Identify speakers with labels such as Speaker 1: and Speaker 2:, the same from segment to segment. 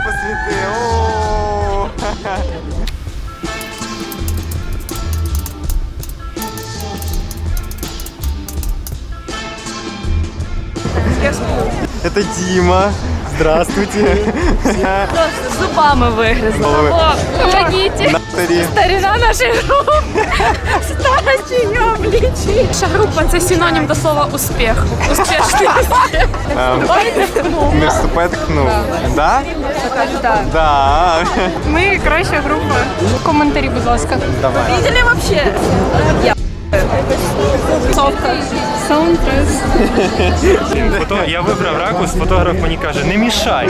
Speaker 1: посвіти. О! Это Дима. Здравствуйте.
Speaker 2: Просто зубами вигризла. О, помогите.
Speaker 1: Наталі.
Speaker 2: Старина нашої групи. Старость її обличчя. Наша група – це синонім до слова успіх. Успішний успіх.
Speaker 1: Не вступайте к КНУ. Да?
Speaker 2: Так.
Speaker 1: Да.
Speaker 2: Ми краща група. Коментарі, будь ласка.
Speaker 1: Давай.
Speaker 2: Видели вообще? Я. Совка. Саундтрес.
Speaker 3: Я вибрав ракурс, фотограф мені каже, не мішай.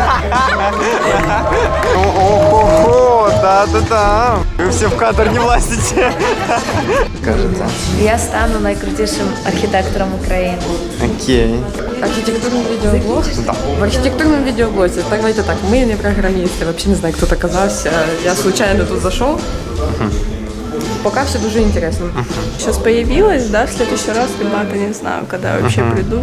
Speaker 1: Ого, да. Вы все в кадр не влазите. Кажется.
Speaker 4: Я стану найкрутішим архітектором України.
Speaker 1: Окей.
Speaker 5: Архитектурный видеоблог? Да. В архитектурном видеоблоге, давайте так, мы не программисты, вообще не знаю, кто так оказался. Я случайно тут зашел. Пока все дуже интересно.
Speaker 6: Сейчас появилась, да, в следующий раз, ребята, не знаю, когда я вообще приду.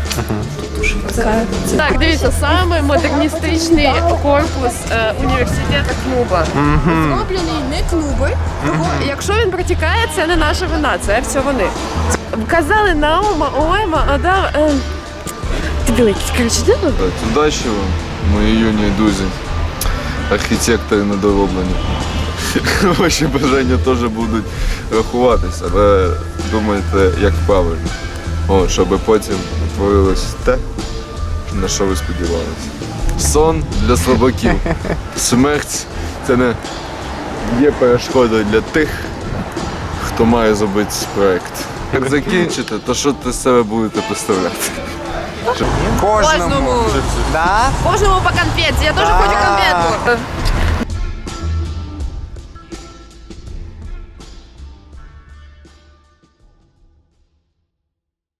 Speaker 2: Так, дивіться, саме модерністичний корпус університету клуба. Зроблений не клуби, тому якщо він протікає, це не наша вина, це все вони. Казали Наума, Ойма, Адам... Ти білий якийсь, коротше, діло?
Speaker 7: Удачі вам, мої юні друзі, архітектори недороблені. Ваші бажання теж будуть рахуватися, але думайте, як правильно. Щоб потім творилось те, на що ви сподівалися. Сон для слабаків. Смерть – це не є перешкодою для тих, хто має зробити проєкт. Як закінчите, то що ти з себе будете представляти?
Speaker 1: Кожному. Да?
Speaker 2: Кожному по конфеті, я теж хочу конфетку.